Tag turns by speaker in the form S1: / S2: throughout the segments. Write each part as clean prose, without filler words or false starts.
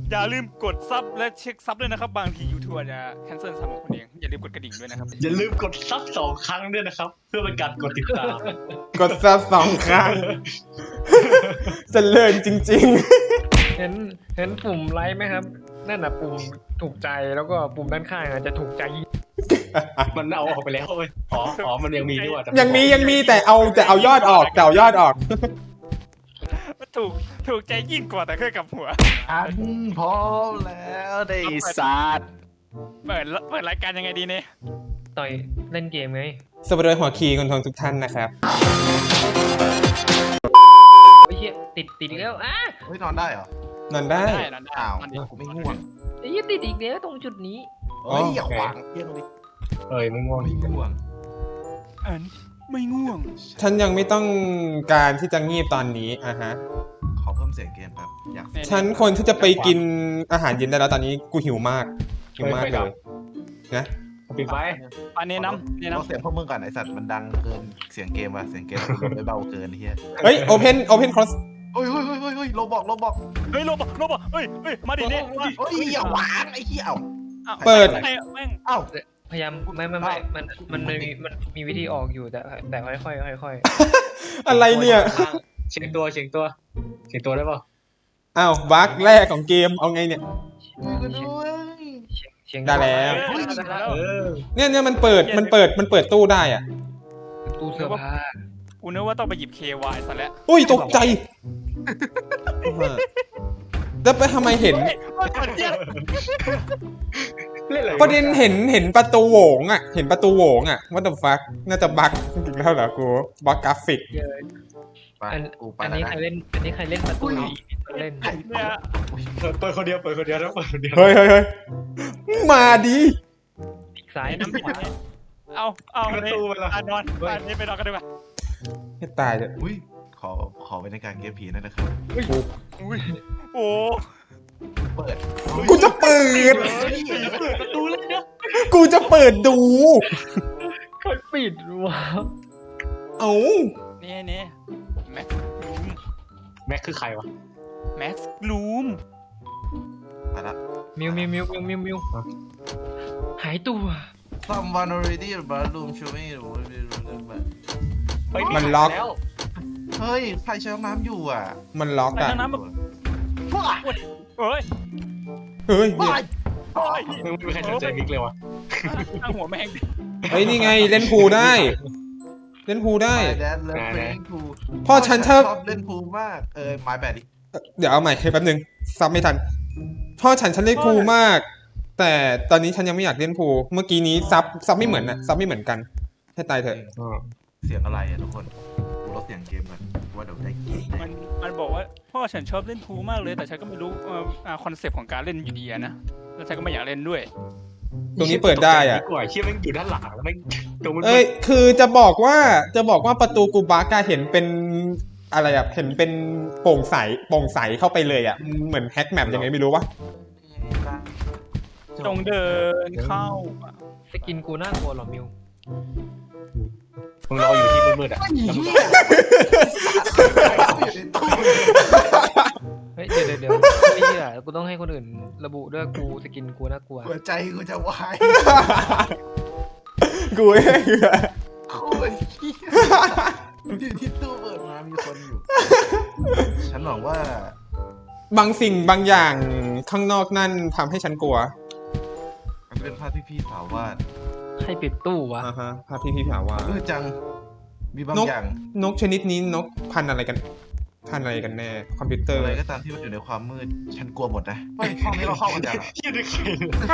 S1: อย่าลืมกดซับและเช็คซับด้วยนะครับบางที YouTube จะแคนเซิลซับของคุณเองอย่าลืมกดกระดิ่งด้วยนะครับ
S2: อย่าลืมกดซับ2 ครั้งด้วยนะครับ เพื่อเป็นการกดติดตาม
S3: กดซับ2 ครั้งเจริญจริง
S4: เห็นปุ่มไลค์ไหมครับนั่นน่ะปุ่มถูกใจแล้วก็ปุ่มด้านข้างจะถูกใจ
S2: มันเอาออกไปแล้วเว้ยอ๋อมันยังมีด้วยแต่
S3: ๆ ยังมีแต่เอายอดออก
S1: ถูกใจยิ่งกว่าแต่เคยกับหัว
S5: อันพร้อมแล้วได้ศาสตร์
S1: เปิดรายการยังไงดีเนี่ย
S4: ต่อยเล่นเกมไง
S3: สวัสดีหัวคีย์คนทองทุกท่านนะครับ
S4: ไอ้เหี้ยติดอีกแล้วอ่ะ
S5: เฮ้ยนอนได้เหรอน
S3: อนได้
S1: นั่นได้
S5: อ้าว
S1: มันดี
S5: กูไม่ง่วง
S4: ไอ้เหี้ยติดอีกแล้วตรงจุดนี้
S5: เฮ้ยอย่าขวางเที่ยงดิ
S2: ไม่ง่วง
S5: ไม่ง่วง
S1: อันไม่ง่วง
S3: ฉันยังไม่ต้องการที่จะงีบตอนนี้ฮะ
S5: ขอเพิ่มเสียงเกมครับอยาก
S3: ฉันคนที่จะไปกินอาหารเย็นได้แล้วตอนนี้กูหิวมากเลยนะ
S2: ปิดไฟ
S1: อันนี้น้ำ
S5: เราเสียงพวกมึงก่อนไอสัตว์มันดังเกินเสียงเกมว่ะเสียงเกมมันไม่เบาเกินเฮีย
S3: เฮ้ย open cross
S5: เฮ้ยโลบอก
S1: เฮ้ยโรบอเฮ้ยมาดิเนี่ย
S5: เฮ้ยอย่าหวางไอ้เหี้ยเอ้า
S3: เปิด
S1: แม่ง
S5: เอ้า
S4: พยายามไม่มันมีวิธีออกอยู่แต่ค่อย
S3: อะไรเนี่ย
S2: เชียงตัวได้ป่ะ
S3: อ้าวบั๊กแรกของเกมเอาไงเนี่ย
S5: ช่วยกันด้วย
S4: เชียง
S3: ได้แล้ว
S2: เออ
S3: เนี่ยมันเปิดตู้ได้อ่ะ
S4: ตู้เสื้อผ้า
S1: กูนึกว่าต้องไปหยิบ KY ซะแล้ว
S3: อุ้ยตกใจแล้วไปทำไมเห็น
S2: เล่นอะไร
S3: ประเด็นเห็นประตูโหวงอ่ะว่าแต่ฟักน่าจะบั๊กอีกแล้วเหรอกูบั๊กกราฟิก
S5: ไปกูไป
S4: อัน
S5: แล้ว
S4: นี้
S5: นะ
S4: ใครเล่นประตูเล่น
S1: เนี่ย
S2: เปิดคนเดียวแล้วเปิดคนเดียว
S3: เฮ้ยมาดี
S4: อีกซ้าย
S1: น้ำผิดเนี่ยเอา
S2: ประ
S1: เนี่ย
S2: ตูไปละ
S1: นอนอันนี้ไปนอนกันดีกว่า
S3: ให้ตายเถอะ
S5: อุ้ยขอเป็นในการเกมผีนั่นนะครับ
S1: อุ้ยโอ้
S5: เปิด
S3: กูจะเปิด
S2: ประตูเลยนะ
S3: กูจะเปิดดู
S4: คนปิดวะ
S3: เอ้า
S1: เนี่ยแม็กลูม
S2: แม็กคือใครวะ
S1: แม็กลูม
S5: ไปละ
S4: มิวหายตัว
S5: Someone already in the bathroom show me
S3: มันล็อก
S5: เฮ้ยใครใช้ห้องน้ำอยู่อ่ะ
S3: มันล็อก
S1: ไป
S3: อ่ะ
S1: น้ำแบบเฮ้ย
S3: เฮ้ย
S2: ไม่มีใครสนใจมิกเลยวะ
S1: ตั้งหัวแม่ง
S3: เฮ้ยนี่ไงเล่นพูลได้
S5: My dad love playing pool
S3: พ่อฉันชอบ
S5: เล่นพูลมากmy bad ดิ
S3: เดี๋ยวเอาใหม่แป๊บนึงซับไม่ทันพ่อฉันเล่นพูลมาก แต่ตอนนี้ฉันยังไม่อยากเล่นพูลเมื่อกี้นี้ซับไม่เหมือนนะซับไม่เหมือนกันให้ตายเถอะ
S5: เสียงอะไรอ่ะทุกคนกูลดเสียงเกมก่อนว่าเดี๋ยวได้กิน
S1: มันบอกว่าพ่อฉันชอบเล่นพูลมากเลยแต่ฉันก็ไม่รู้คอนเซปต์ของการเล่นอยู่ดีนะแล้วฉันก็ไม่อยากเล่นด้วย
S3: ตรงนี้เปิดได้อ่ะ
S2: กว่าเชี่ยแม่งอยู่ด้านหลังแล้วแม่งตรงมัน
S3: เอ้ยคือจะบอกว่าประตูกูบักอะเห็นเป็นอะไรอะเห็นเป็นโปร่งใสเข้าไปเลยอะเหมือนแฮกแมปยังไงไม่รู้วะ
S1: จงเดินเข้า
S4: สกินกูน่ากลัวหรอมิว
S2: มึงรออยู่ที่มืดๆอ่ะ
S4: เฮ้ยเดี๋ยวไม่เชื่อกูต้องให้คนอื่นระบุด้วยกูสกินกูน่ากลัว
S5: หัวใจกูจะวาย
S3: กูเองอะ
S5: โคตรเหี้ยอยู่ที่ตู้เปิดมามีคนอยู่ ฉันหวังว่า
S3: บางสิ่งบางอย่างข้างนอกนั่นทำให้ฉันกลัว
S5: มันเป็นภาพที่พี่สาววาด
S4: ใครปิดตู้วะ
S3: อ่าฮะพาพี่ถามว่า
S5: จังมีบางอย่าง
S3: นกชนิดนี้นกพันธุ์อะไรกันแน่คอมพิวเตอร์
S5: อะไรก็ตามที่มันอยู่ในความมืดฉันกลัวหมดนะเฮ้ยห้องนี้เราเข้ากันยัง
S2: เชี่ยได้ใคร
S6: ใช่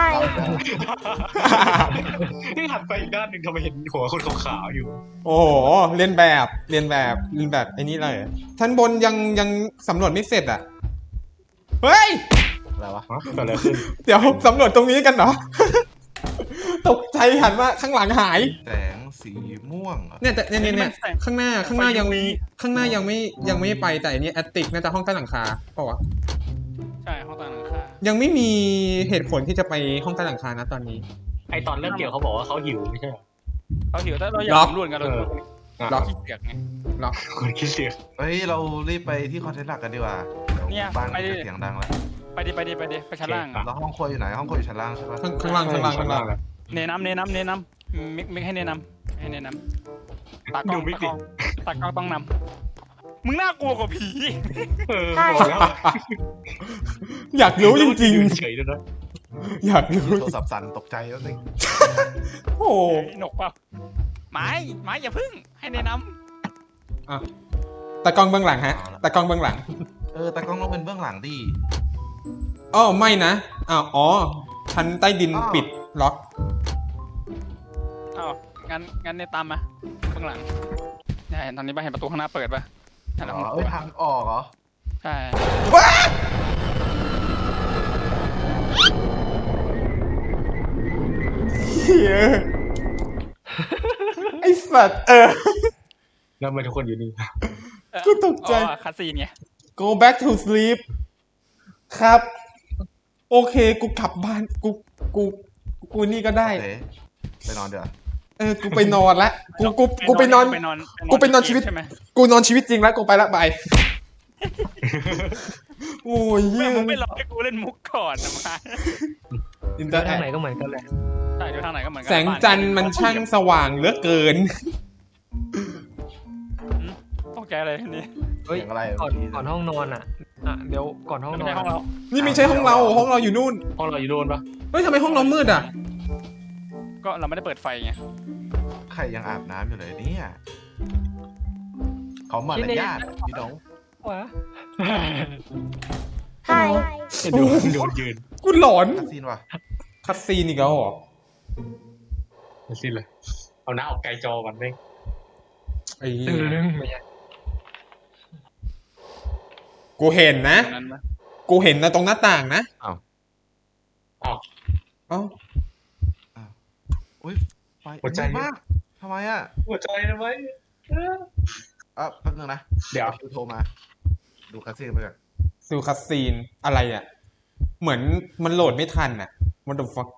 S2: นี่หันไปอีกด้านหนึ่งทำไมเห็นหัวคนขาวๆอยู่
S3: โอ้โหเรียนแบบไอ้นี่เลยชั้นบนยังสำรวจไม่เสร็จอ่ะเฮ้ย
S5: อะไรวะ
S2: เกิดอะไรขึ้น
S3: เดี๋ยวสำรวจตรงนี้กันเหรอ ตกใจหันว่าข้างหลังหาย
S5: แสงสีม่วงเหรอ
S3: เนี่ยแต่เนี่ยข้างหน้ายังไม่ไปแต่อันนี้แอตติกน่าจะห้องใต้หลังคาเปล่าวะ
S1: ใช่ห้องต่างหลังคา
S3: ยังไม่มีเหตุผลที่จะไปห้องใต้หลังคานะตอนนี้
S2: ไอตอนเริ่มเกี่ยวเขาบอกว่าเขาหิวไม่ใช่เหรอ
S1: เขาเดี๋ยวถ้าเราอยากสำรวจกันเรา
S3: ล็อก
S1: ขี้เกียจไง
S3: ล็อก
S2: คนคิดเสีย
S5: เฮ้ยเรารีบไปที่คอนเทนต์หลักกันดีกว่าเดี๋ยวบ้านมันจะเสียงดังแล้ว
S1: ไปดิไปชั้นล่าง
S5: แล้วห้องครัวอยู่ไหนห้องครัวอยู่ชั้นล่างใช่ปะ
S3: ข้างล่าง
S1: เนน้ำมิกให้เนน้ำตากล้องต้องนำมึงน่ากลัวกว่าผี
S2: บอกแล้ว
S3: อยากรู้จริง
S2: เฉยๆด้วยนะ
S3: ๆ อยากรู้
S5: โทรศัพท์สั่นตกใจแล้วนึง
S3: โอ้
S1: หนกเปล่าไม้อย่าพึ่งให้เนน้
S3: ตากล้องเบื้องหลังฮะตากล้องเบื้องหลัง
S5: แต่กล้องต้องเป็นเบื้องหลังดิ
S3: อ๋อไม่นะอ๋อชั้นใต้ดินปิดล็อก
S1: ำอ้าวงั้นเนตามมาข้างหลังเนี่ยเห็นตอนนี้ป่ะเห็นประตูข้างหน้าเปิดป่ะนั่นแหละ
S5: ทางออกเหรอ
S1: ใช่
S3: เฮียไอสัตว์
S2: แล้วทำไมทุกคนอยู่นี่
S3: กูตกใจ
S1: คาซีนไง
S3: go back to sleep ครับ โอเคกูกลับบ้านกูนี่ก็ได้
S5: โอเคไปนอนเดี๋ยว
S3: กูไปนอนละกูไปนอนชีวิต
S1: ใช่ไหม
S3: กูนอนชีวิตจริงแล้วกูไปละบายโอ้ยเยี่
S1: แม่
S3: ย
S1: มึงไม่รอให้กูเล่นมุกก่อนนะมา
S3: อินเตอร์แอ
S4: ทางไหนก็เหมือนกันแหละ
S1: ใช่ดูทางไหนก็เหมือนกั
S3: แสงจันทร์มันช่างสว่างเหลือเกิน
S1: ตกใจอะไรทีนี้
S4: เฮ้ย
S5: เสียงอะไร
S4: ก่อนห้องนอนอ่ะเดี๋ยวก่อนห้อง
S1: ไม่
S4: นอ
S1: ใช่
S4: น
S1: ห้องเรา
S3: นี่ไม่ใช่ห้องเราอยู่นู่น
S2: ห้องเราอยู่โดนปะ
S3: เฮ้ยทำไมห้องเรามืดอ่ะ
S1: ก็เราไม่ได้เปิดไฟไง
S5: ใครยังอาบน้ำอยู่เลยเนี่ยเขามารยาทพี่น้อง
S4: วะ
S2: โดนยืน
S3: กูหลอน
S5: คาซีนว่ะ
S3: คัสซีนอีกแล้วเหรอ
S2: มาสิ้นเลยเอาหน้าออกไกลจอก่อนเร่ง
S3: ไอ้เหี้
S4: ตึ
S3: ย
S4: งไม่ใช่
S3: กูเห็นนะ
S1: ตรงนั้นปะ
S3: กูเห็นนะตรงหน้าต่างนะ
S2: อ้าว
S3: เอ้า
S5: อุ้ยไฟมากทำไมอ่ะ
S2: หัวใจทำไม
S5: แป๊บนึงนะ
S2: เดี๋ยว
S5: คิวโทรมา ดูคาซีนไปก่อน
S3: ซูคัสซีนอะไรอ่ะ เหมือนมันโหลดไม่ทันอ่ะ What the fuck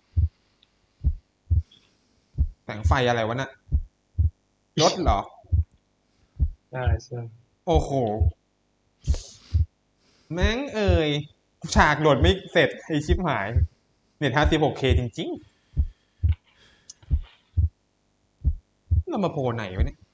S3: แสงไฟอะไรวะน่ะรถเหรอ
S2: ใช่ใช่
S3: โอ้โห แม่งฉากโหลดไม่เสร็จไอชิปหาย เน็ต 56K จริงๆ เรามาโพลไหนวะเนี่ย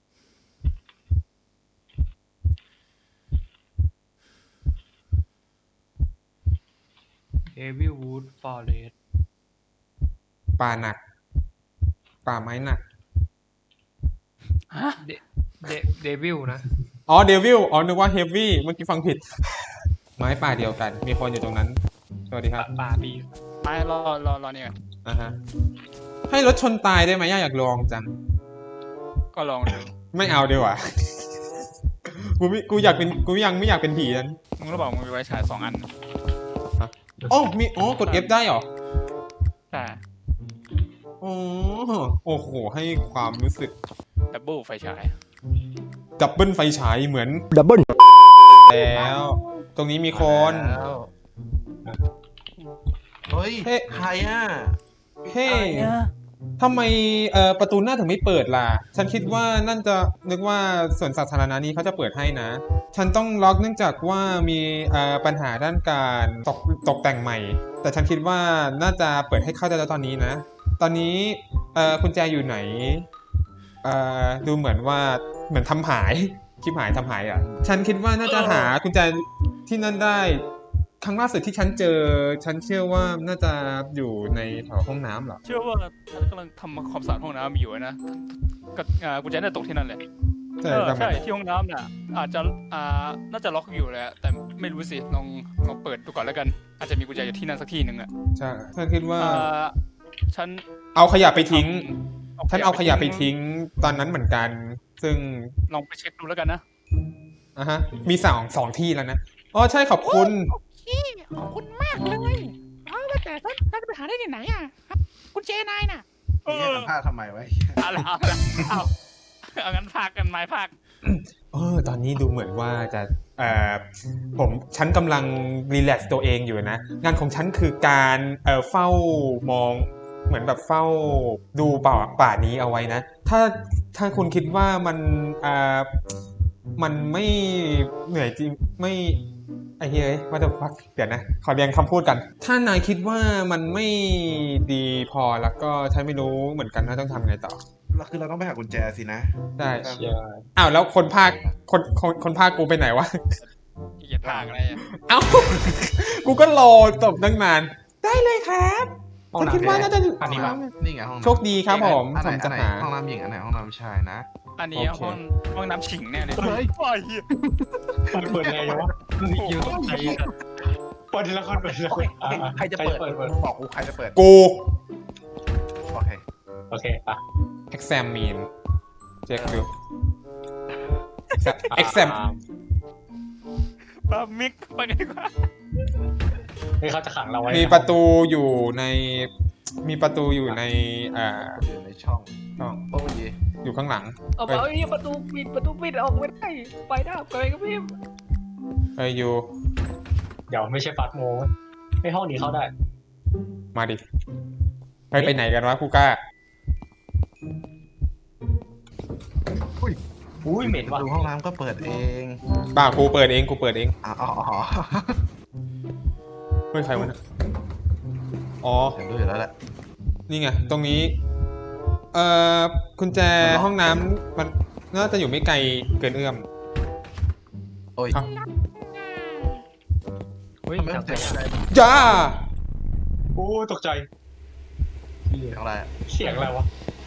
S4: เอวิลวูดฟอเรส
S3: ป่าหนัก ป่าไม้หนัก
S4: เดวิลนะ
S3: อ๋อเดวิลนึกว่าเฮฟวี่เมื่อกี้ฟังผิด ไม้ป่าเดียวกัน มีคนอยู่ตรงนั้น สวัสดีครับ
S4: ป่าบี
S1: ไม่รอนี่ก่อน
S3: ฮะให้รถชนตายได้ไหมอยากลองจัง
S1: ก็ลองดู
S3: ไม่เอาดีกว่า กูยังไม่อยากเป็นผีนั้น
S1: มึงรู้เปล่ามึงมีไว้ฉาย2 อัน
S3: กด F ได้เหรอ
S1: ใช่
S3: โอ้โห ให้ความรู้สึก
S1: ดับเบิลไฟฉาย
S3: ดับเบิลไฟฉายเหมือน
S6: ดับเบิล
S3: แล้ว ตรงนี้มีคน
S5: แล้วเฮ้ย
S3: เฮ้
S5: ใครอ่ะ
S3: เฮ้ทำไมประตูหน้าถึงไม่เปิดล่ะ ฉันคิดว่านั่นจะนึกว่าส่วนสาธารณะนี้เขาจะเปิดให้นะ ฉันต้องล็อกเนื่องจากว่ามีปัญหาด้านการตกแต่งใหม่ แต่ฉันคิดว่าน่าจะเปิดให้เข้าได้แล้วตอนนี้นะ ตอนนี้กุญแจอยู่ไหนดูเหมือนว่าเหมือนทำหายชิบหายทำหายอ่ะ ฉันคิดว่าน่าจะหากุญแจที่นั่นได้ ครั้งล่าสุดที่ฉันเจอ ฉันเชื่อว่าน่าจะอยู่ในแถวห้องน้ำเหรอ
S1: เชื่อว่าฉันกำลังทำความสะอาดห้องน้ำอยู่นะก็กูจะได้ตกที่นั่นแหละ ใช่ที่ห้องน้ำน่ะอาจจะน่าจะล็อกอยู่แหละแต่ไม่รู้สิลองเปิดดูก่อนแล้วกัน อาจจะมีกุญแจอยู่ที่นั่นสักที่หนึ่งอ่ะ
S3: ใช่ฉันคิดว่า
S1: ฉัน
S3: เอาขยะไปทิ้ง ฉันเอาขยะไปทิ้งตอนนั้นเหมือนกัน ซึ่ง
S1: ลองไปเช็คดูแล้วกันนะ
S3: มีสองที่แล้วนะ อ๋อใช่ขอบคุณ
S7: ขอบคุณมากเลยว่าแต่ท่านจะไปหาได้ที่ไหนอ่ะครับคุณเจนายน่ะ
S5: นี่ให้สัมภาษณ์ทำไมไว้
S1: เอางั้นพากกันไม้พาก
S3: ตอนนี้ดูเหมือนว่าจะฉันกำลังรีแลกซ์ตัวเองอยู่นะ งานของฉันคือการเฝ้ามองเหมือนแบบเฝ้าดูป่านี้เอาไว้นะ ถ้าคุณคิดว่ามันไม่เหนื่อยจริงไอ้เฮ้ยว่าจะฟักเดี๋ยวนะขอเรียงคำพูดกัน ถ้านายคิดว่ามันไม่ดีพอแล้วก็ฉันไม่รู้เหมือนกันว่าต้องทำไงต่อ
S5: แล้วคือเราต้องไปหากุญแจสินะ
S3: ได้
S2: เชี่ย
S3: อ้าวแล้วคนภาคคนภาคกูไปไหนวะ
S1: เหยียดทางอะไรอะ
S3: เอ้า กูก็รอตบตั้งนาน ได้เลยครับฉันคิดว่าน่าจะ
S2: อันนี้มา
S5: นี่ไงห้องน้ำ
S3: โชคดีครับผม
S5: อันไหน
S3: ผมจะหา
S5: ห้องน้ำหญิงอันไหนห้องน้ำชายนะ
S1: อันนี้
S3: โอเค
S1: ห้องน้ำฉิงแน่เลย
S5: เฮ้ย
S1: โอ้ยเหี้ย
S2: เปิดไงวะ
S4: เยอะใจ
S2: เปิดทีละคนเปิดทีละคน
S5: ใครจะเปิดบอกกูใครจะเปิด
S3: กู
S5: โอเค
S2: โอเคอ่ะ
S3: examine เช็คดู exam
S1: ปามิกไปกันดีกว่า
S2: นี่เขาจะขังเราไว้
S3: มีประตูอยู่ใน มีประตูอยู่ใน
S5: อยู่ในช่อง
S3: ช่อง
S5: โอ้ย
S3: อยู่ข้างหลัง
S4: เอาไปประตูปิดออกไม่ได้ไปได้ไปก็พี่
S3: เฮ้ยอยู่
S2: เดี๋ยวไม่ใช่ฟาสโมไม่ห้องนี้เข้าได้
S3: มาดิเฮ้ยไปไหนกันวะกูกล้า
S2: อุ้ยเหม็นว่ะ
S5: ดูห้องน้ำก็เปิดเอง
S3: บ้ากูเปิดเอง
S5: อ๋อ
S3: เฮ้ยใครวะเนี่ยอ๋อ
S5: เห็นด้วยอยู่แล้วแหละ
S3: นี่ไง ตรงนี้ กุญแจห้องน้ำมันน่าจะอยู่ไม่ไกลเกินเอื้อม
S5: โอ้ย
S3: ครับ
S4: เฮ้ย
S5: ทำไม
S4: จั
S5: ต้
S4: ง
S5: องเสียงอะไร
S3: จ้า
S2: โอ้ตกใจ
S5: เสียงอะไรอะ
S2: เสียงอะไรวะ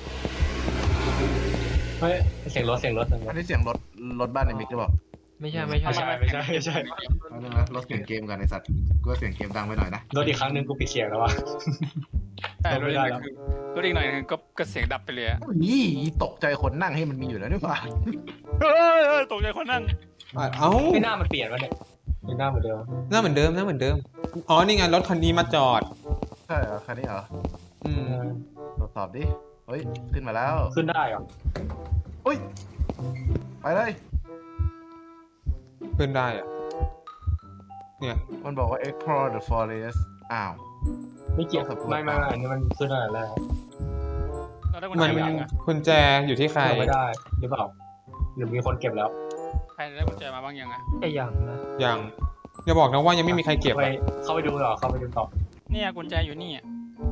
S2: เฮ้ยเสียงรถเสียงรถ
S5: อันนี้เสียงรถบ้านในมิกหรือเปล่า
S4: ไม่ใช่
S2: ไม่ใช่ไม่ใช่
S5: เอาเรื่องนะรถเสียงเกมกันไอสัตว์กูว่าเสียงเกมดังไปหน่อยนะ
S2: รถอีกครั้งหนึ่งกูปิดเสียงแล้ววะ
S1: แต่
S2: ไม่
S1: รถอีกห
S2: ได้
S1: น่อย
S2: แล้ว
S1: คือรถอีกหน่อยนึงก็เสียงดับไปเลยอะ
S5: นี่ตกใจคนนั่งให้มันมีอยู่แล้วนี่ป่ะ
S1: เฮ้ยตกใจคนนั่ง
S3: เอ้า
S2: ไม่น่ามันเปลี่ยนวะเนี่ยไม่น่าเหมือนเดิม
S3: หน้าเหมือนเดิม อ๋อ นี่ไงรถคันนี้มาจอด
S5: ใช่เหรอคันนี้เหรอ
S3: อืม
S5: ตรวจสอบดิเฮ้ยขึ้นมาแล้ว
S2: ขึ้นได้เหรอ
S5: อุ้ยไปเลย
S3: ขึ้นได้อะเนี่ย
S5: มันบอกว่า explore the forest อ้าว
S2: ไม่เกี่ยวไม่อันนี้มันขึ้นอะไรแล้ว
S1: เราได้กุญ
S3: มั
S1: แจ
S3: น
S1: ยังอะ
S3: กุญแจอยู่ที่ใคร
S2: ไม่ได้หรือเปล่าหรือมีคนเก็บแล้ว
S1: ใครได้กุญแจมาบ้างยังอะ
S4: ไอ้ยังนะ
S3: ยังอย่าบอกนะว่ายังไม่มีใครเก็บ
S2: ไป
S3: อะ
S2: เข้าไปดูเหรอเข้าไปดูต่อ
S1: เนี่ยกุญแจอยู่นี่อะ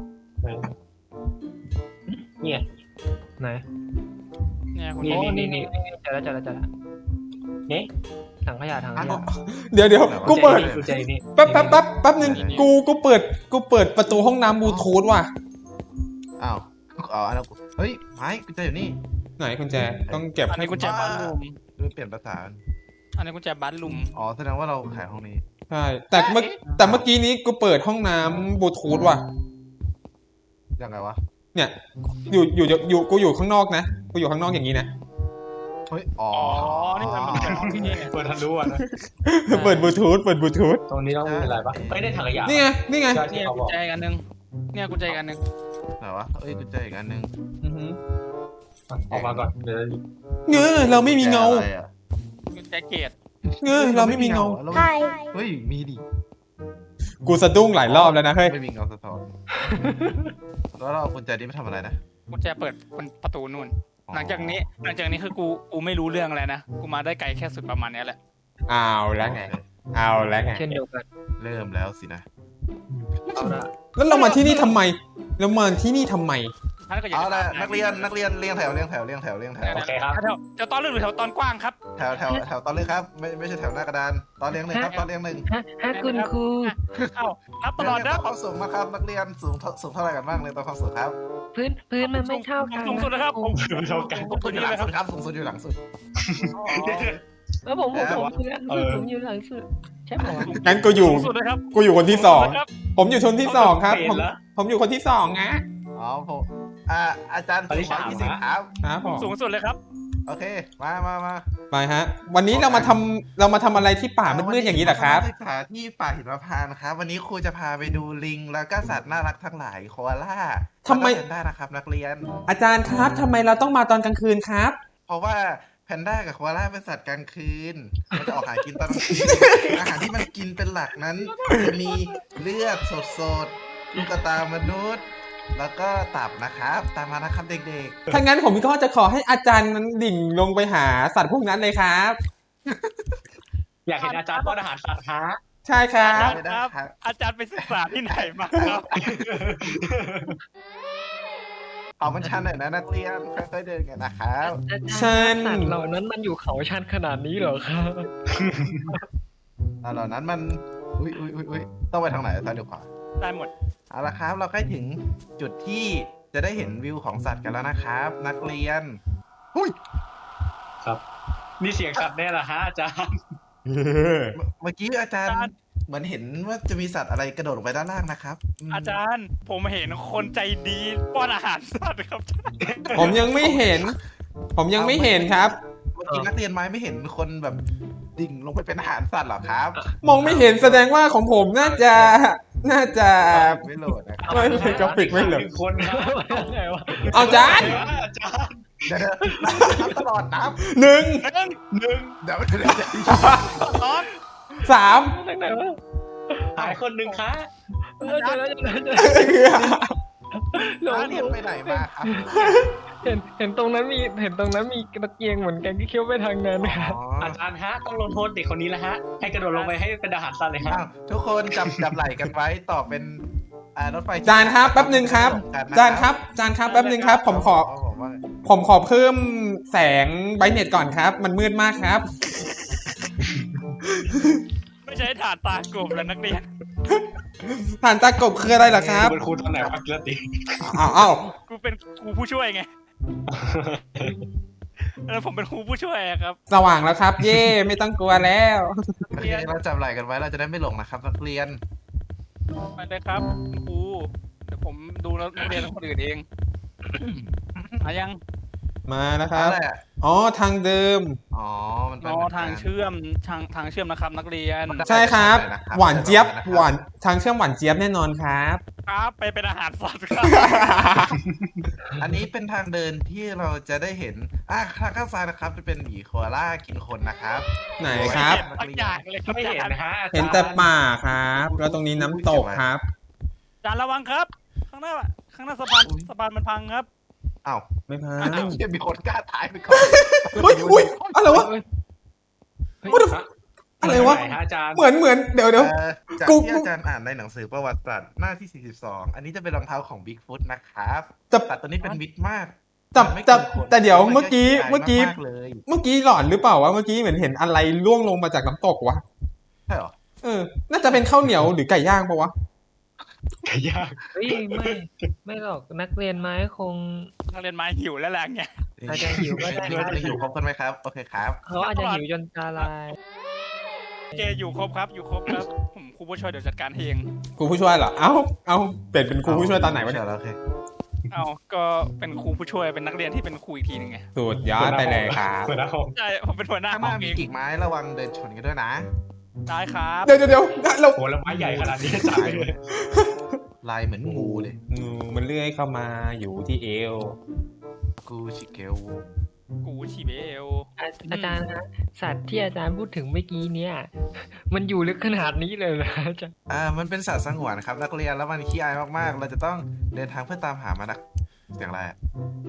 S2: เนี่ย
S4: ไหน
S1: เนี่ยกุญ
S2: นี่
S1: แจ
S2: นี่
S4: เจอแล้ว
S2: นี่
S4: ถังขยะ
S3: เดี๋ยวกูเปิด
S2: กุญแจนี่
S3: แป๊บนึงกูเปิดประตูห้องน้ำบลูทูธว่ะ
S5: อ้าวอันนั้นเฮ้ยไม้กูเจออยู่นี่
S3: ไหนกุญแจต้องเก็บ
S1: อันนี้กุญแจบ้านลุม
S5: เปลี่ยนภาษา
S1: อันนี้กุญแจบ้านลุม
S5: อ๋อแสดงว่าเราขายห้องนี้
S3: ใช่แต่เมื่อกี้นี้กูเปิดห้องน้ำบลูทูธว่ะ
S5: ยังไงวะ
S3: เนี่ยอยู่กูอยู่ข้างนอกนะกูอยู่ข้างนอกอย่างนี้นะ
S5: เฮ้ยอ๋อ
S1: อ๋อนี่มันเป็นห้องที่นี่ไง
S2: เปิดทันรู้อ่ะนะ
S3: เปิดบลูทูธ
S2: ตรงนี้ต้องมีอะไรปะไม่ได้ถังขยะ
S3: นี่ไง
S1: เนี่ยกุญแจอีกอันหนึงเนี่ยกุญแจอีกอันหนึง
S5: ไหนวะเอ้ยกูเจออีกอันนึง
S3: อือหือ
S2: ออกมาก่อนเดี๋ยว
S3: เงอเราไม่มีเงา
S5: อะไรอะ
S1: กุญแจเกต
S3: เงอเราไม่มีเงา
S5: เฮ้ยมีดิ
S3: กูสะดุ้งหลายรอบแล้วนะเฮ้ย
S5: ไม่มีเงาสะท้อนแล้วเราเอากุญแจนี้ไปทำอะไรนะ
S1: กุญแจเปิดประตูนู่น หลังจากนี้คือกูไม่รู้เรื่องอะไรนะกูมาได้ไกลแค่สุดประมาณเนี้ยแหละ
S3: เอาแล้วไง
S4: เช่นเดียวกัน
S5: เริ่มแล้วสินะ
S4: เอาละ
S3: แล้วเรามาที่นี่ทำไม
S1: ท่านก็อยาก
S5: เอา
S1: จะ
S5: ละ
S1: ถาม
S5: นักเรียนเรียงแถว
S2: โอเคครับ
S1: แถวตอนลึกหรือแถวตอนกว้างครับ
S5: แถวตอนเลยครับไม่ใช่แถวหน้ากระดานตอนเรียงหนึ่งครับตอนเรียงหนึ่ง
S4: ฮะคุณครู
S1: เอ้านับตลอดนะ
S5: ความสูงนะครับนักเรียนสูงเท่าไหร่กันบ้างเลยตอนความสูงครับ
S4: พื้นมันไม่เท่ากัน
S1: สูงสุดนะครับผม
S2: เท่ากัน
S1: ตัวนี้เลยครับ
S5: สูงสุดอยู่หลังสุด
S4: แล้วผมอยู่หลังสุดใช่ไหม
S3: งั้นกูอยู่
S1: สูงสุดนะครับ
S3: คนที่สอง
S1: ครับ
S3: ผมอยู่คนที่สองครับ ผมอยู่คนที่สองนะ
S5: อ๋อผมอาจารย์สูง120ครับ
S3: ครับผม
S1: สูงสุดเลยครับ
S5: โอเคมา
S3: ไปฮะ วันนี้เรามาทำอะไรที่ป่ามืดๆอย่างนี้เหรอครับ
S5: ศึกษาที่ป่าหิมพานต์ครับวันนี้ครูจะพาไปดูลิงแล้วก็สัตว์น่ารักทั้งหลายโคอาล่า
S3: ทำไม
S5: แพนด้านะครับนักเรียน
S3: อาจารย์ครับทำไมเราต้องมาตอนกลางคืนครับ
S5: เพราะว่าแพนด้ากับโคอาล่าเป็นสัตว์กลางคืนมันจะออกหากินตอนกลางคืน อาหารที่มันกินเป็นหลักนั้น จะมีเลือดสดๆลูกตามนุษย์ แล้วก็ตับนะครับตามมานะครับเด็ก
S3: ถ้างั้นผมก็จะขอให้อาจารย์นั้นดิ่งลงไปหาสัตว์พวกนั้นเลยครับ
S2: อยากเห็นอาจารย์ป้อนอาหารสัตว์ฮะ
S3: ใช่ครั
S1: อา
S3: บ
S1: จารย์ครับ อาจารย์ไปศึกษาที่ไหนมาครับ
S5: เอามันชันหน่อยนะนักเรียนค่อยๆเดินกันนะครับ
S3: ชัน
S4: สัตว์เหล่านั้นมันอยู่เขาชันขนาดนี้เหรอครับ
S5: เหล่านั้นมันอุ้ยต้องไปทางไหนซ้ายหรือขวา
S1: ได้หมด
S5: เอาละครับ เราใกล้ถึงจุดที่จะได้เห็นวิวของสัตว์กันแล้วนะครับ นักเรียน
S2: ครับ นี่เสียงสัตว์แน่ละฮะอาจารย์
S5: เมื่อกี้อาจารย์เหมือนเห็นว่าจะมีสัตว์อะไรกระโดดลงไปด้านล่างนะครับม
S1: อาจารย์ผมเห็นคนใจดีป้อนอาหารสัตว์ครับ
S3: ผมยังไม่เห็น ผมยังไม่เห็นครับ
S5: เมื่อกี้นักเรียนไม้ไม่เห็นคนแบบดิ่งลงไปเป็นอาหารสัตว์หรอครับ
S3: มองไม่เห็นแสดงว่าของผมน่าจะ
S5: ไม่โหลดนะครับ
S3: ไม่เป็นกราฟิกไม่เหรอ
S2: หนึ่งคนครับ
S4: ไงวะ
S3: เอาจาน
S2: อาจารย์
S5: เดี๋ยวนับตลอดนับ
S3: หนึ่ง
S2: หนึ่ง
S5: เดี๋ยว
S3: สาม
S4: ทางไหนวะ
S2: หายคนหนึ่งคะ
S4: เจอแล้วหลง
S5: นักเรียนไปไหนมาครับ
S4: เห็นตรงนั้นมีตะเกียงเหมือนกันที่เคี้ยวไปทางนั้นครับ
S2: อาจารย์ฮะต้องลงโทษเด็กคนนี้แล้วฮะ ให้กระโดดลงไปให้เป็นอาหารสัตว์เลยฮะ
S5: อ้าวทุกคนจับไหล่กันไว้ต่อเป็นรถไฟ
S3: จานครับแป๊บหนึ่งครับ จานครับแป๊บหนึ่งครับ ผมขอเพิ่มแสงไบรท์เน็ตก่อนครับ มันมืดมากครับ
S1: ไม่ใช่ฐานตากบแล้วนักเรียน
S3: ฐานตากบคืออะไรเหรอครับ
S2: เป็นครูตอนไหนวะกิรติ
S3: อ้าว
S1: กูเป็นครูผู้ช่วยไงแล้วผมเป็นครูผู้ช่วยอะครับ
S3: สว่างแล้วครับ เย่ไม่ต้องกลัวแล้ว
S5: โอเคเราจับไหล่กันไว้เราจะได้ไม่หลงนะครับนักเรียน
S1: ไปเลยครับคุณครูเดี๋ยวผมดูแล้วนักเรียนคนอื่นเองมายัง
S3: มานะครับ
S5: อะไรอ่ะ
S3: อ๋อทางเดิม
S5: อ๋อมันเป็น
S1: อ๋อทางเชื่อมทางเชื่อมนะครับ นักเรียน
S3: ใช่ครับ หวานเจี๊ยบหวานทางเชื่อมหวานเจี๊ยบแน่นอนครับ
S1: ครับไปเป็นอาหารสัตว์ครับ
S5: อันนี้เป็นทางเดินที่เราจะได้เห็นข้างซ้ายนะครับจะเป็นหมีโคอาล่ากินคนนะครับ
S3: ไหนครับ
S1: ทักอย่างเลยครับ
S2: ไม่เห็นนะฮะอาจารย์
S3: เห็นแต่ป่าครับ แล้วตรงนี้น้ำตกครับ
S1: อาจารย์ระวังครับ ข้างหน้าสะพานมันพังครับ
S5: อ้าว
S3: ไม่พัง
S5: ยังมีคนกล้าถ่ายไปก่อน
S3: อุ้ยอะไรวะ อะไรวะ
S2: หนฮอาจารย์
S3: เหมือนเดี๋ยว
S5: จาก
S3: กู
S5: ที่อาจารย์อ่านในหนังสือประวัติศาสตร์หน้าที่ 42 อันนี้จะเป็นรองเท้าของบิ๊กฟุตนะครับ
S3: จะ
S5: แต่ตัวนี้เป็นมิดมาก
S3: แต่เดี๋ยวเมื่อกี้
S5: มากเลย
S3: เมื่อกี้หลอนหรือเปล่าวะเมื่อกี้เหมือนเห็นอะไรร่วงลงมาจากน้ำตกวะ
S5: ใช่เหรอ
S3: น่าจะเป็นข้าวเหนียวหรือไก่ย่างปะวะ
S2: ไก่ย่าง
S4: เฮ้ยไม่หรอกนักเรียนไม้คง
S1: นักเรียนไม้หิวแล้วแหละไง
S4: อาจจะหิวก็ได้
S5: ยังอยู่ครบกันไหมครับ โอเคครับ
S4: เขาอาจจะหิวจนตาลาย
S1: เจอยู่ครบครับผมครูผู้ช่วยเดี๋ยวจัดการให้เอง
S3: ครูผู้ช่วยเหรอ เอ้าเปลี่ยนเป็นครูผู้ช่วยตอนไหนวะเนี่ย
S5: โอเค
S1: เอาก็เป็นครูผู้ช่วยเป็นนักเรียนที่เป็นครูอีกทีหนึงไง
S3: สุดยอดไปเลยครับ
S2: หัวหน้าห้อง
S1: ใช่ผมเป็นหัวหน้า
S5: ข้างห
S1: ห้อ
S5: น้าง มี
S1: เอง
S5: กิ่งไม้ระวังเดินชนกันด้วยนะ
S1: ได้ครับ
S3: เดี๋ยวเรา
S2: โหแล้วไม้ใหญ่ขนาดนี้อาจารย์เลย
S5: ลายเหมือนงูเลย
S3: งูมันเลื้อยเข้ามาอยู่ที่เอว
S5: กูชิเกล
S1: กูชีเบล
S4: อาจารย์นะสัตว์ที่อาจารย์พูดถึงเมื่อกี้เนี่ย มันอยู่ลึกขนาดนี้เลยนะอาจารย์
S5: มันเป็นสัตว์สงวนครับนักเรียนแล้วมันขี้อายมากๆ เราจะต้องเดินทางเพื่อตามหามันนะเสียงอะไรอะ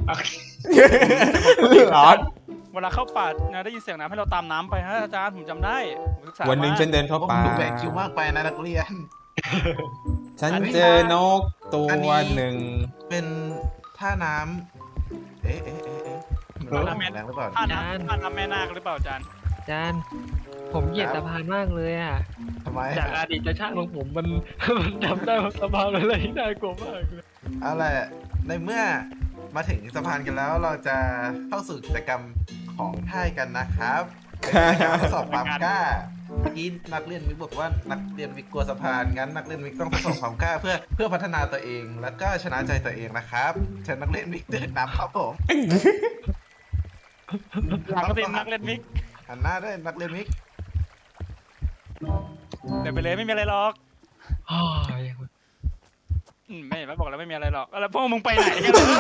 S3: หลอน
S1: เวลาเข้าป่านะได้ยินเสียงน้ำให้เราตามน้ำไปฮะอาจารย์ผมจำได้ผมศึกษา
S3: วันหนึ่ง
S1: มา
S3: ฉันเดินเข้า
S5: ผม
S3: ป่า
S5: ดูแบกคิวมากไปนะนักเรียน
S3: ฉันเจอนกตัวหนึ่ง
S5: เป็นท่าน้ำมันน้ำแรงหรือเปล่า
S1: ท่าน้ำแม่นาคหรือเปล่าอาจารย์
S4: อาจารย์ ผมเหยียดสะพานมากเลยอ่ะ
S5: ทำไม
S4: จากอดีตชาติของผมมันจำได้ว่าสะพานอะไรที่น่ากลัวมากเลย
S5: เอาล่ะในเมื่อมาถึงสะพานกันแล้วเราจะเข้าสู่กิจกรรมของท่ายกันนะครับเป็นกิจกรรมทดสอบความกล้าเมื่อกี้นักเรียนมิกบอกว่านักเรียนมิกกลัวสะพานงั้นนักเรียนมิกต้องทดสอบความกล้าเพื่อพัฒนาตัวเองแล้วก็ชนะใจตัวเองนะครับเชิญนักเรียนมิกเดินนำครับผม
S1: หลังสินักเรียนมิก
S5: หันหน้าด้วยนักเรียนมิก
S1: เดี๋ยวไปเลยไม่มีอะไรหรอก
S4: อ๋อ
S1: ไม่บอกแล้วไม่มีอะไรหรอกแล้วพวกมึงไปไหนกันเลย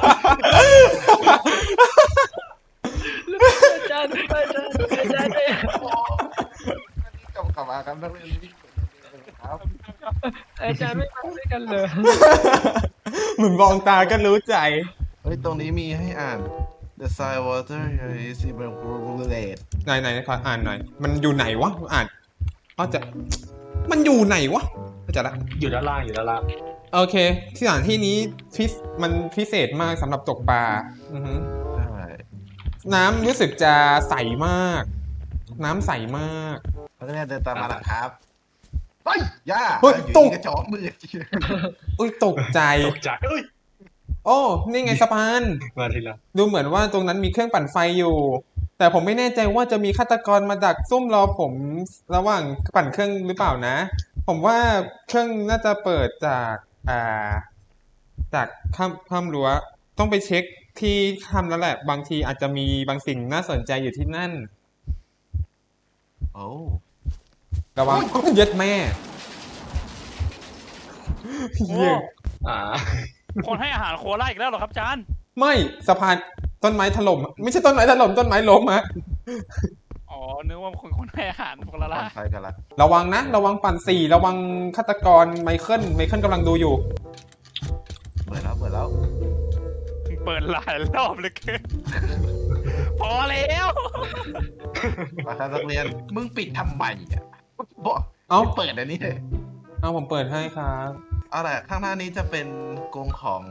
S4: อาจารย์เนี่ย
S5: กลับมาครับนักเรียนมิกครับ
S4: อาจารย์ไม่มาด้วยกันเลย
S3: เหมือนมองตาก็รู้ใจ
S5: เฮ้ยตรงนี้มีให้อ่าน The soil water here is evaporated
S3: ไหนขออ่านหน่อย มันอยู่ไหนวะ อ่านก็จะมันอยู่ไหนวะเข้าใจละ
S2: อยู่ด้านล่างอยู่ด้านล่าง
S3: โอเคสถานที่นี้มันพิเศษมากสำหรับตกปลาอือฮึ
S5: ใช่
S3: น้ำรู้สึกจะใสมาก น้ำใสมาก
S5: นักเรียนเดินตามมาหลังครับเฮ้ยย่า
S3: เฮ้ย
S5: อยู่
S3: ตก
S5: ที่กระจอกมือ
S3: อุ้ยตกใจ
S2: ตกใจเอ้ย
S3: โอ้นี่ไงสะพาน
S2: มาทีละ
S3: ดูเหมือนว่าตรงนั้นมีเครื่องปั่นไฟอยู่ แต่ผมไม่แน่ใจว่าจะมีฆาตกรมาดักซุ่มรอผมระหว่างปั่นเครื่องหรือเปล่านะ ผมว่าเครื่องน่าจะเปิดจากจากข้ามรั้วต้องไปเช็คที่ถ้ำแล้วแหละ บางทีอาจจะมีบางสิ่งน่าสนใจอยู่ที่นั่น
S5: โอ้
S3: ระวังเย็ดแม่
S1: โอ้
S3: เหี้ย
S2: อ่า
S1: คนให้อาหารโคล่าอีกแล้วเหรอครับอาจารย์
S3: ไม่สะพานต้นไม้ถล่มไม่ใช่ต้นไม้ถล่มต้นไม้ล้มฮะ
S1: อ๋อนึกว่าคนให้อาหารพวกละ
S5: ปั่
S1: ละ
S5: นไฟกันละ
S3: ระวังนะ ระวังปั่นสี่ระวังฆาตกรไมเคิลกำลังดูอยู่
S5: เปิดแล้ว
S1: เปิดหลายรอบเลยเกินพอแล้ว
S5: มาครับนักเรียนมึงปิดทำไมอ่ะบอก
S3: เอ้า
S5: เปิดอันนี้เลย
S3: เอาผมเปิดให้ครับ
S5: เอาล่ะข้างหน้านี้จะเป็นกรงของ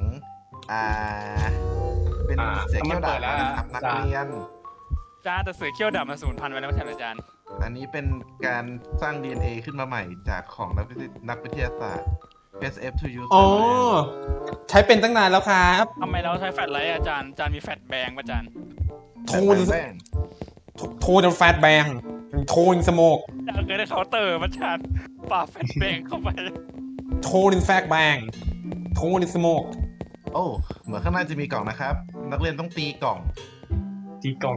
S5: เป็นเสียงเขี้ยวดาบนะครับนักเรียน
S1: อาจารย์แต่เสือเขี้ยวดำมาสูญพันธุ์ไปแล้วไม่ใช่เหรออาจารย์
S5: อันนี้เป็นการสร้าง DNA ขึ้นมาใหม่จากของนักวิทยาศาสตร์ SF to use
S3: อ๋อ ใช้เป็นตั้งนานแล้วครับ
S1: ทำไมเราใช้แฟลชไลท์อาจารย์มีแฟลชแบงป่ะอาจารย์
S3: โทน
S5: แป้ง
S3: โทนแฟตแบงโทนสโมก
S1: อาจารย์เคยได้เคาน์เตอร์ป่ะอาจารย์ป่าแฟลชแบงเข้าไป
S3: โทนแฟตแบงโทนสโมก
S5: โอ้เหมือนข้างหน้าจะมีกล่องนะครับ นักเรียนต้องตีกล่อง
S2: ตีกล่อง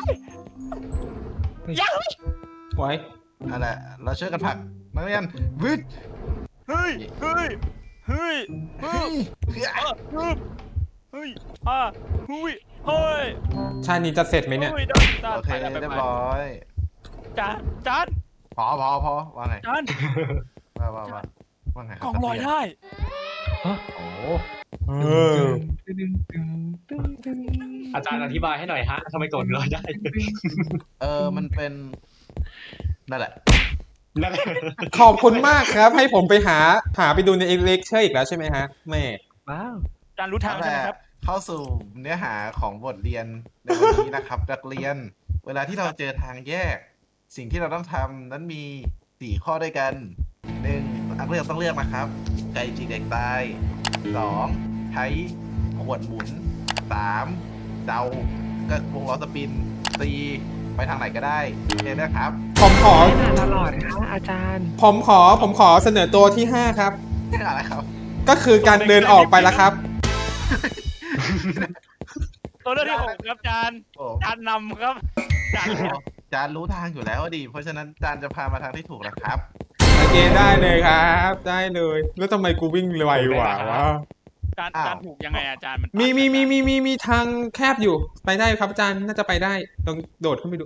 S1: ยัง
S3: ไว้
S5: นั่นแหละเราช่วยกันผลักนักเรียนวึด
S1: เฮ้ยเฮ้ยเฮ้ยเฮ้ย
S5: เฮ้ย
S1: เฮ้ยเฮ้ยเฮ้ย
S3: ชาตินี้จะเสร็จไหมเนี่ย
S1: เฮ้ยได้
S5: โอเคเรียบร้อย
S1: จาน
S5: พอว่าไง
S1: จาน
S5: ว่าไงค
S1: ก
S5: รับ
S1: ล่องลอยได้
S5: โอ้
S3: เออ
S2: อาจารย์อธิบายให้หน่อยฮะทำไมกดลอยได้
S5: มันเป็นนั่นแหละ
S2: นั่นแหละ
S3: ขอบคุณมากครับ ให้ผมไปหาไปดูในเลคเชอร์อีกแล้วใช่ไหมฮะแม่
S4: ว้าว
S1: จานรู้ทาง
S5: นั่น
S1: ใช่ไห
S5: แห
S1: ม
S5: ละ
S1: ครับ
S5: เข้าสู่เนื้อหาของบทเรียนในวันนี้นะครับ นักเรียน เวลาที่เราเจอทางแยก สิ่งที่เราต้องทำนั้นมี4ข้อด้วยกัน 1. นักเรียนต้องเลือกนะครับ ไก่จีเด็กตาย 2. ใช้ขวดหมุน 3. เดาก็วงล้อสปิน 4. ไปทางไหนก็ได้เห็นนะครับ
S3: ผมขอ
S4: ไม่นานตลอดค่ะอาจารย์
S3: ผมขอเสนอตัวที่ 5 ครับ
S5: อะไรครับ
S3: ก็คือการเดินออกไปแล้วครับ
S1: ตัวเลือกที่6ครับจาน
S5: โอ้
S1: จานนำครับจาน
S5: จานรู้ทางอยู่แล้วดิ เพราะฉะนั้นจานจะพามาทางที่ถูกนะครับ
S3: โอเคได้เลยครับ ได้เลย แล้วทำไมกูวิ่งไวกว่าวะ
S1: จานถูกยังไงอาจารย์มัน
S3: มีทางแคบอยู่ ไปได้ครับอาจารย์น่าจะไปได้ลองโดดขึ้นไปดู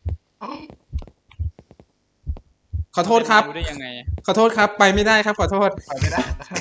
S3: ขอโทษครับ
S1: รู้ได้ยังไง
S3: ขอโทษครับ ไปไม่ได้ครับ ขอโทษ
S5: ไปไม่ได้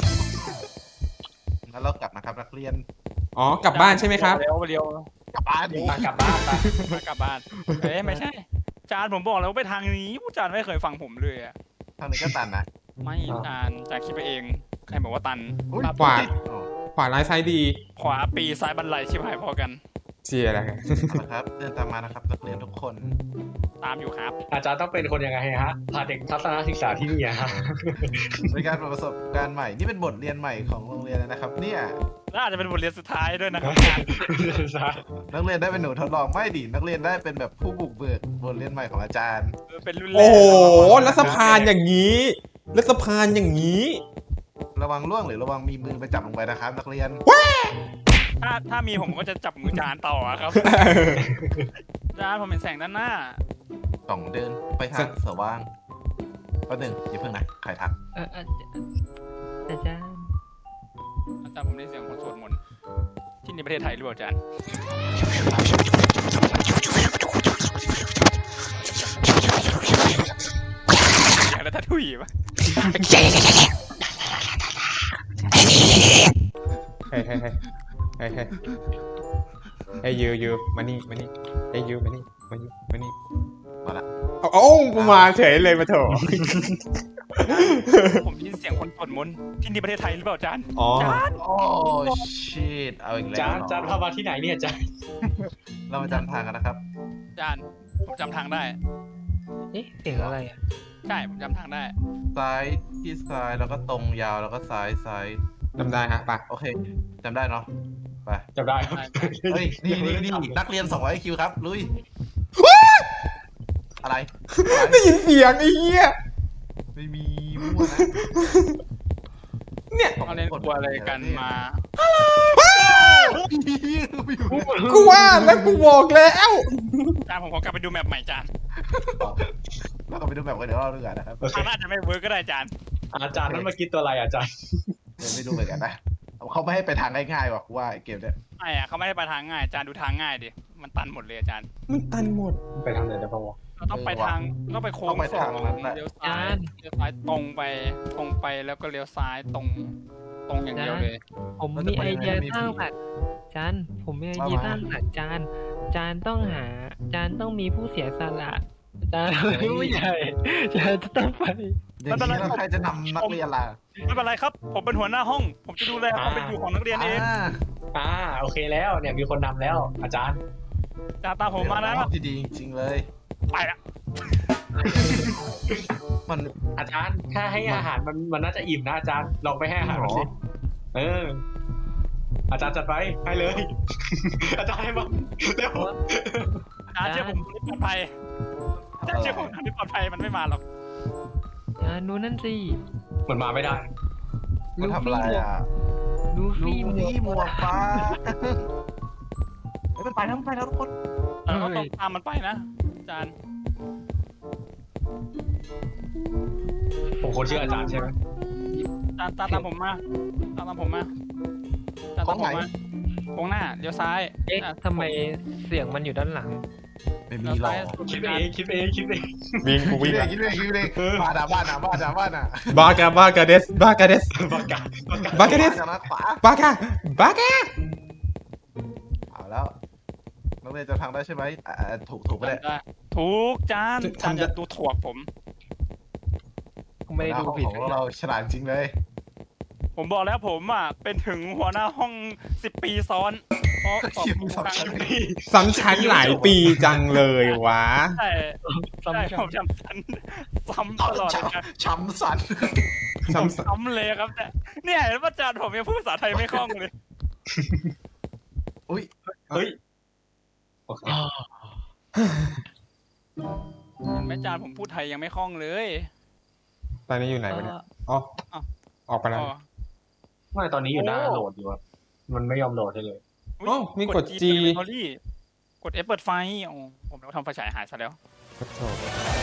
S5: งั้นเรากลับนะครับนักเรียน
S3: อ๋อกลับบ้านใช่ไหมครับ
S1: เร็ว
S5: กลับบ้านดิ
S2: กลับบ้านไป
S1: กลับบ้านไม่ใช่ จานผมบอกแล้วว่าไปทางนี้ผู้จานไม่เคยฟังผมเลยอะ
S5: ทางนี้ก็ตันนะ
S1: ไม่จานคิดไปเองใครบอกว่าตัน
S5: อุ๊ย
S3: ขวา
S5: อ๋อ
S3: ขวาร้ายซ้ายดี
S1: ขวาปีซ้ายบันไลชิบหายพอกัน
S3: เชียร์อะไร
S5: เอาละครับ เดินตามมานะครับนักเรียนทุกคน
S1: ตามอยู่ครับ
S2: อาจารย์ต้องเป็นคนยังไงฮะพาเด็กทัศนศึกษาที่นี่ฮะ
S5: เป็นการประสบการณ์ใหม่ นี่เป็นบทเรียนใหม่ของโรงเรียนเลยนะครับ เนี่ย
S1: และอาจจะเป็นบทเรียนสุดท้ายด้วยนะครับ
S5: นักเรียนได้เป็นหนูทดลองไม่ดินักเรียนได้เป็นแบบผู้บุกเบิกบทเรียนใหม่ของอาจารย์
S1: เป็นรุ่นแรก
S3: โอ้โหแล้วสะพานอย่างนี้ แล้วสะพานอย่างนี้
S5: ระวังล่วงหรือระวังมีมือไปจับลงไปนะครับ นักเรียน
S1: ถ้ามีผมก็จะจับมือจานต่อครับ จานผมเห็นแสงด้านหน้า
S5: กล่องเดินไปทางสว่างก็หนึ่งอย่าเพิ่งนะใครทัก
S4: อาจารย์
S1: อาจารย์ผมได้เสียงคนสวดมนต์ที่ในประเทศไทยหรือเปล่าอาจารย์อย่างแล้วถ้าถุยปะ
S3: เฮ้ยเฮ้ยยูมานี่เฮ้ยยูมานี่
S5: มาละ
S3: โอ้มาเฉยเลยมาเถอะ
S1: ผมได้ยินเสียงคนสวดมนต์ที่นี่ประเทศไทยหรือเปล่าอาจารย์
S3: อ๋อ
S1: อาจารย์
S5: โอ้ชิตเอาอีกแล้ว
S2: จานพามาที่ไหนเนี่ยจาน
S5: เรามาจำทางกันนะครับ
S1: อาจารย์ผมจำทางได้
S4: เอ๊ะเสียงอะไรอ่ะ
S1: ใช่ผมจำทางได้
S5: ซ้ายที่ซ้ายแล้วก็ตรงยาวแล้วก็ซ้าย
S3: จำได้ฮะไป
S5: โอเคจำได้เนาะไป
S2: จำได้ครับ
S5: เฮ้ยนี่นักเรียน200 คิวครับลุยอะไร
S3: ได้ยินเสียงไอ้เหี้ย
S5: ไม่มีมั่วนะ
S3: เนี่ย
S1: เขาเล่นกลัวอะไรกันมา
S3: กูว่าแล้วกูบอกแล้ว
S1: อาจารย์ผมขอกลับไปดูแมปใหม่อาจารย์
S5: เราก็ไปดูแบบกันเดี๋ยวเราดูกันนะครับ
S1: ทางน่าจะไม่เวิร์กก็ได้อาจารย์
S2: อาจารย์นั้นเมื่อกี้ตัวอะไรอาจารย์
S5: เดี๋ยวไม่ดูเหมือนกันนะเขาไม่ให้ไปทางง่ายๆว่ะกูว่าไอ้เกมเนี้ย
S1: ไม่อะเขาไม่ได้ไปทางง่ายอาจารย์ดูทางง่ายดิมันตันหมดเลยอาจารย์
S3: มันตันหมด
S2: ไปทางไหนได้บ้างวะ
S1: เราต้องไปทางต้องไปโค้งสองเลี้ยวซ้ายเลี้ยวซ้ายตรงไปแล้วก็เลี้ยวซ้ายตรงอย่างเดียวเลย
S4: ผมมีไอเดียสร้างสรรค์จานผมมีไอเดียสร้างสรรค์จานต้องมีผู้เสียสละจานผู้ใหญ่จานจะต้องไป
S5: อย่างนี้แล้วใครจะนำนักเรียนล่ะ
S1: ไม่เป็นไรครับ ผมเป็นหัวหน้าห้อง ผมจะดูแลความเป็นอยู่ของนักเรียนเอง
S2: โอเคแล้วเนี่ยมีคนนำแล้ว อาจารย์
S1: อาจารย์ตามผมมานะ
S5: ที่ดีจริงๆเลย
S1: ไปละ
S5: มัน
S2: อาจารย์ถ้าให้อาหารมันน่าจะอิ่มนะอาจารย์ลองไปให้อาหารมันสิอาจารย์จัดไปให้เลย อาจารย์ให้มาเร็ว
S1: อาจารย์เชื่อผมทางที่ปลอดภัยอาจารย์เชื่อผมทางที่ปลอดภัยมันไม่มาหรอก
S4: จานดูนั่นสิ
S2: มันมาไม่ได้
S5: มันทำอะไรอ่ะ
S4: ดู
S5: ดู
S4: ฟี่หม
S5: นี่หม
S4: ว
S5: ว
S4: ก
S5: กฟ้าเฮ้ยมันไปแล้วทุกคน
S1: เราก็ต้องตามมันไปนะอาจารย์
S2: ผมคนชื่ออาจารย์ใช่ไหม
S1: อาจารย์ตามผมมาตามผมมาอาจารย์ตามผมมาโค้งหน้าเลี้ยวซ้าย
S4: เอ๊ะทำไมเสียงมันอยู่ด้านหลัง
S5: ไม่มีหรอก
S2: คิดเองคิดเองคิดเอง
S3: วิ่งกู
S5: คิ
S3: วิ่
S5: ด
S3: ง
S5: เอ
S3: ละ
S5: งคิดเองคิดเองบ้านอ่ะบ้านอ่ะบ้านอ่ะบ้านอ่ะ
S3: บากาเดส
S2: บากา
S5: จากนั้นขวา
S3: บากา
S5: เอาแล้วนักเรียนจะทางได้ใช่ไหมถูกไปเลย
S1: ถูกจานจานจะดูถ่วงผม
S4: กูไม่ได้ดูผิด
S5: ของเราฉลาดจริงเลย
S1: ผมบอกแล้วผมอ่ะเป็นถึงหัวหน้าห้อง10 ปีซ้อนเพราะตอบถูกครั้ง
S3: ซ้ำชั้นหลายปีจังเลยวะ
S1: ใช่ใช่ผมจำซ้ำตลอดเลยนะ
S5: ช้ำสัน
S1: ซ้ำเลยครับเนี่ยเห็นว่าอาจารย์ผมยังพูดภาษาไทยไม่คล่องเลย
S5: อุ้ย
S2: เฮ้ยโอเค
S1: เห็นไหมอาจารย์ผมพูดไทยยังไม่คล่องเลย
S3: ตอนนี้อยู่ไหนวะเนี่ยอ๋อออกไปแล้ว
S2: ไม่ตอนนี้อยู่หน้าโหลดอยู่อะมันไม่ยอมโหลดให้เลย
S3: อ๋อมีกด G
S1: กด F เปิดไฟผมต้องทำไฟฉายหายซะแล้ว
S3: กดโถ